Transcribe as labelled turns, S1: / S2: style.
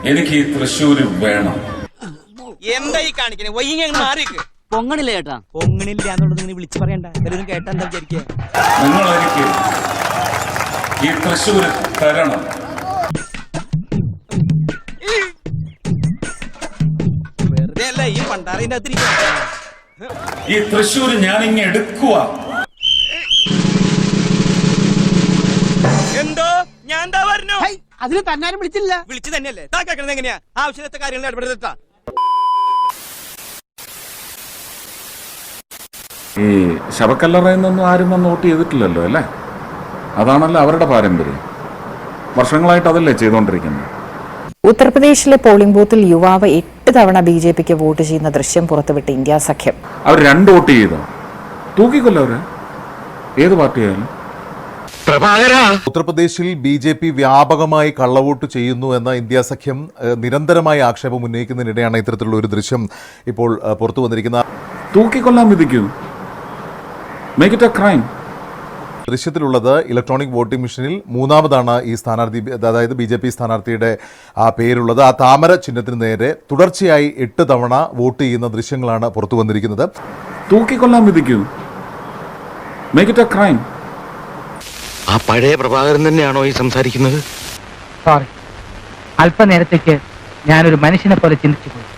S1: എനിക്ക് ഈ തൃശ്ശൂര് വേണം.
S2: എന്തായി കാണിക്കണേ? വൈകി മാറിക്ക്.
S3: പൊങ്ങണില്ല ചേട്ടാ.
S2: പൊങ്ങണില്ല എന്നുള്ളത് നിങ്ങൾ വിളിച്ചു പറയണ്ട. എല്ലാവരും കേട്ടാ എന്താ വിചാരിക്കുക?
S1: നിങ്ങൾ എനിക്ക് ഈ തൃശ്ശൂര് തരണം.
S2: വെറുതെ അല്ല ഈ പണ്ടാറിന്റെ അകത്തിരിക്കുക.
S1: ഈ തൃശ്ശൂര് ഞാൻ ഇങ്ങ എടുക്കുക.
S2: എന്തോ ഞാൻ എന്താ പറഞ്ഞു?
S3: അതിന് തന്നാരും വിളിച്ചില്ല.
S2: വിളിച്ചു തന്നെയല്ലേ? താ കേൾക്കണത് എങ്ങനെയാ? ആവശ്യത്തെ കാര്യങ്ങൾ ഇടപെടുത്താ.
S1: ഈ ശവക്കല്ലറയിൽ നിന്നൊന്നും ആരും വന്ന് വോട്ട് ചെയ്തിട്ടില്ലല്ലോ അല്ലേ? അതാണല്ലോ അവരുടെ പാരമ്പര്യം. വർഷങ്ങളായിട്ട് അതല്ലേ ചെയ്തുകൊണ്ടിരിക്കുന്നത്.
S4: ഉത്തർപ്രദേശിലെ പോളിംഗ് ബൂത്തിൽ യുവാവ് 8 തവണ BJPക്ക് വോട്ട് ചെയ്യുന്ന ദൃശ്യം പുറത്തുവിട്ട് ഇന്ത്യ സഖ്യം.
S1: അവർ 2 വോട്ട് ചെയ്തോ? തൂക്കിക്കൊല്ലോ അവര്, ഏത് പാർട്ടിയായാലും.
S5: ഉത്തർപ്രദേശിൽ BJP വ്യാപകമായി കള്ളവോട്ട് ചെയ്യുന്നു എന്ന ഇന്ത്യ സഖ്യം നിരന്തരമായി ആക്ഷേപം ഉന്നയിക്കുന്നതിനിടെയാണ് ഇത്തരത്തിലുള്ള ഒരു ദൃശ്യം ഇപ്പോൾ പുറത്തു വന്നിരിക്കുന്നത്.
S1: തൂക്കിക്കൊല്ലാൻ വിധിക്കൂ. Make it a crime.
S5: ദൃശ്യത്തിലുള്ളത് ഇലക്ട്രോണിക് വോട്ടിംഗ് മെഷീനിൽ 3ാമതാണ് ഈ സ്ഥാനാർത്ഥി, അതായത് BJP സ്ഥാനാർത്ഥിയുടെ പേരുള്ളത്. ആ താമര ചിഹ്നത്തിന് നേരെ തുടർച്ചയായി 8 തവണ വോട്ട് ചെയ്യുന്ന ദൃശ്യങ്ങളാണ് പുറത്തു വന്നിരിക്കുന്നത്.
S1: തൂക്കിക്കൊല്ലാൻ വിധിക്കൂ. Make it a crime.
S6: ആ പഴയ പ്രഭാകരൻ തന്നെയാണോ ഈ സംസാരിക്കുന്നത്?
S3: സോറി, അല്പനേരത്തേക്ക് ഞാനൊരു മനുഷ്യനെ പോലെ ചിന്തിച്ചു പോയി.